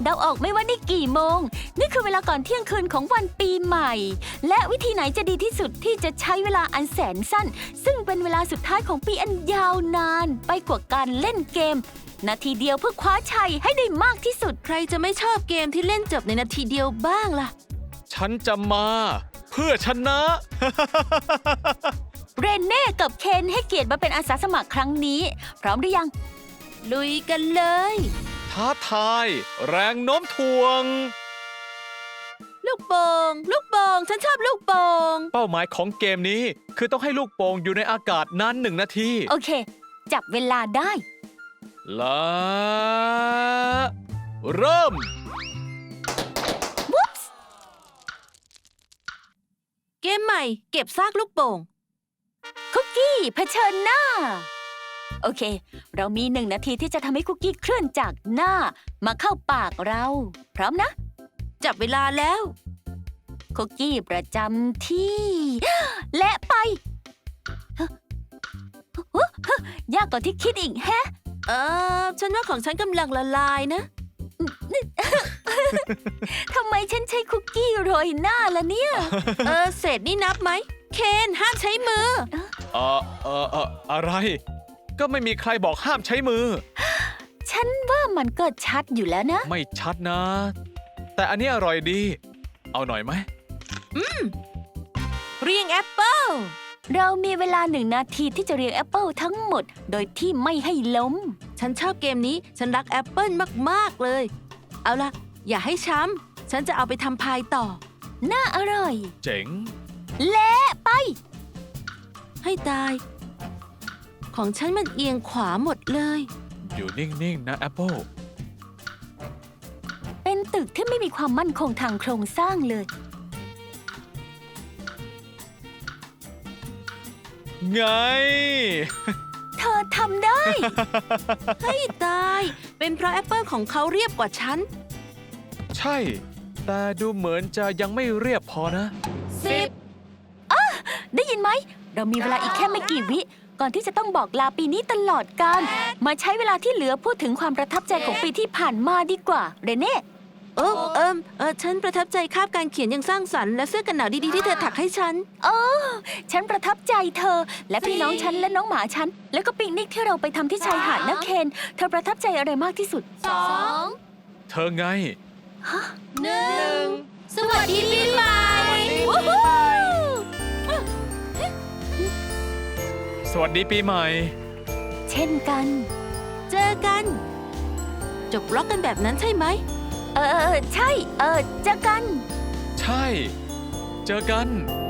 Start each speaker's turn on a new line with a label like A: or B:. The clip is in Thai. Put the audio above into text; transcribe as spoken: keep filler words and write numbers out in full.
A: เดาออกไหมว่านี่กี่โมงนี่คือเวลาก่อนเที่ยงคืนของวันปีใหม่และวิธีไหนจะดีที่สุดที่จะใช้เวลาอันแสนสั้นซึ่งเป็นเวลาสุดท้ายของปีอันยาวนานไปกว่าการเล่นเกมนาทีเดียวเพื่อคว้าชัยให้ได้มากที่สุด
B: ใครจะไม่ชอบเกมที่เล่นจบในนาทีเดียวบ้างล่ะ
C: ฉันจะมาเพื่อชนะ
A: เรนเน่กับเคนให้เกียรติมาเป็นอาสาสมัครครั้งนี้พร้อมหรือยัง
B: ลุยกันเลย
C: ท้าทายแรงโน้มถ่วง
B: ลูกโป่งลูกโป่งฉันชอบลูกโป่ง
C: เป้าหมายของเกมนี้คือต้องให้ลูกโป่งอยู่ในอากาศนานหนึ่งนาที
A: โอเคจับเวลาได้
C: และเริ่ม
B: เกมใหม่เก็บซากลูกโป่ง
A: คุกกี้เผชิญหน้าโอเคเรามีหนึ่งนาทีที่จะทำให้คุกกี้เคลื่อนจากหน้ามาเข้าปากเราพร้อมนะ
B: จับเวลาแล้ว
A: คุกกี้ประจำที่และไปยากกว่าที่คิดอีกแฮะ
B: เออฉันว่าของฉันกำลังละลายนะ
A: ทำไมฉันใช้คุกกี้โรยหน้าล่ะเนี่ย
B: เออเศษนี่นับไหมเคนห้ามใช้มือ
C: เออเออเอออะไรก็ไม่มีใครบอกห้ามใช้มือ
A: ฉันว่ามันก็ชัดอยู่แล้วนะ
C: ไม่ชัดนะแต่อันนี้อร่อยดีเอาหน่อยไหม
B: อืมเรียงแอปเปิ้ล
A: เรามีเวลาหนึ่งนาทีที่จะเรียงแอปเปิลทั้งหมดโดยที่ไม่ให้ล้ม
B: ฉันชอบเกมนี้ฉันรักแอปเปิ้ลมากๆเลยเอาล่ะอย่าให้ช้ำฉันจะเอาไปทำพายต่อ
A: น่าอร่อย
C: เจ๋ง
A: และไป
B: ให้ตายของฉันมันเอียงขวาหมดเลย
C: อยู่นิ่งๆนะแอปเปิล
A: เป็นตึกที่ไม่มีความมั่นคงทางโครงสร้างเลย
C: ไง
A: เธอทำได้
B: ให้ตายเป็นเพราะแอปเปิลของเขาเรียบกว่าฉัน
C: ใช่แต่ดูเหมือนจะยังไม่เรียบพอนะ
B: สิบ
A: อ่ะได้ยินไหมเรามีเวลาอีกแค่ไม่กี่วิก่อนที่จะต้องบอกลาปีนี้ตลอดกาลมาใช้เวลาที่เหลือพูดถึงความประทับใจของปีที่ผ่านมาดีกว่าเรเน่
B: เออเอิมเออฉันประทับใจคาบการเขียนอย่างสร้างสรรค์และเสื้อกันหนาวดีๆที่เธอถักให้ฉัน
A: เออฉันประทับใจเธอและพี่น้องฉันและน้องหมาฉันแล้วก็ปิกนิกที่เราไปทำที่ชายหาดนะเคนเธอประทับใจอะไรมากที่สุด
B: สอง
C: เธอไง
B: หนึ่งสวัสดีปีใหม่
C: สวัสดีปีใหม่
A: เช่นกัน
B: เจอกันจบล็อกกันแบบนั้นใช่ไหม
A: เออใช่เออเจอกัน
C: ใช่เจอกัน